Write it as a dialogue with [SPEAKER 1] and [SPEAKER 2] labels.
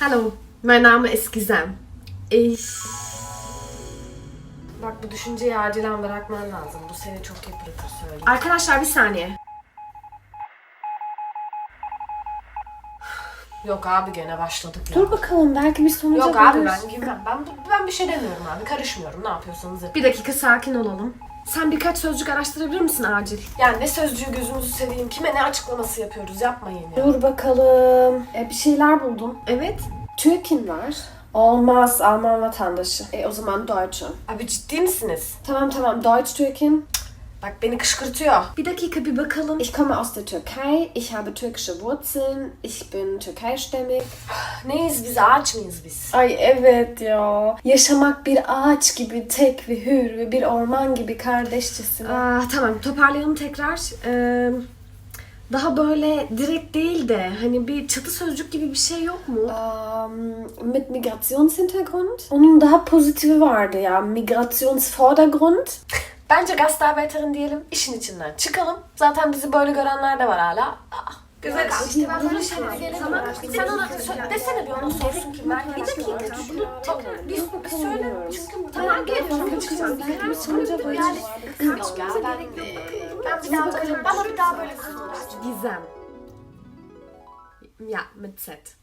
[SPEAKER 1] Hallo, mein Name ist Gizem.
[SPEAKER 2] Bak bu düşünceyi acilen bırakman lazım. Bu seni çok yıpratır söyleyeyim.
[SPEAKER 1] Arkadaşlar bir saniye.
[SPEAKER 2] Yok abi gene başladık ya.
[SPEAKER 3] Dur bakalım belki bir sonuca
[SPEAKER 2] Yok abi
[SPEAKER 3] varırız.
[SPEAKER 2] ben girmem. Ben bir şey demiyorum abi. Karışmıyorum. Ne yapıyorsanız yapın.
[SPEAKER 1] Bir dakika sakin olalım. Sen birkaç sözcük araştırabilir misin acil?
[SPEAKER 2] Yani ne sözcüğü gözünüzü seveyim. Kime ne açıklaması yapıyoruz. Yapmayın ya.
[SPEAKER 3] Dur bakalım. Bir şeyler buldum.
[SPEAKER 1] Evet.
[SPEAKER 3] Türkin var. Olmaz Alman vatandaşı. O zaman Deutsche.
[SPEAKER 2] Abi ciddi misiniz?
[SPEAKER 3] Tamam Deutsch Türkin.
[SPEAKER 2] Bak beni kışkırtıyor.
[SPEAKER 1] Bir dakika bir bakalım.
[SPEAKER 3] Ich komme aus der Türkei. Ich habe türkische Wurzeln. Ich bin Türkeistämmig.
[SPEAKER 2] Neyiz biz? Ağaç mıyız biz?
[SPEAKER 3] Ay evet ya. Yaşamak bir ağaç gibi tek ve hür ve bir orman gibi kardeşçesine.
[SPEAKER 1] Tamam toparlayalım tekrar. Daha böyle direkt değil de hani bir çatı sözcük gibi bir şey yok mu?
[SPEAKER 3] Mit Migrationshintergrund. Onun daha pozitifi vardı ya. Migrationsvordergrund.
[SPEAKER 2] Bence Gastarbeiterin diyelim. İşin içinden çıkalım. Zaten bizi böyle görenler de var hala. Güzel abi. İşte ben böyle şeylere gelemiyorum. Sen ona desene bir ona sorsun kim ben. Bir dakika. Bunu tekrar bir söyle. Çünkü tamam geliyorum. Çıkacağım. Bir sonuca yani. Yok ya ben bir daha böyle bana bir daha böyle
[SPEAKER 1] Gizem. Ja, mit Z.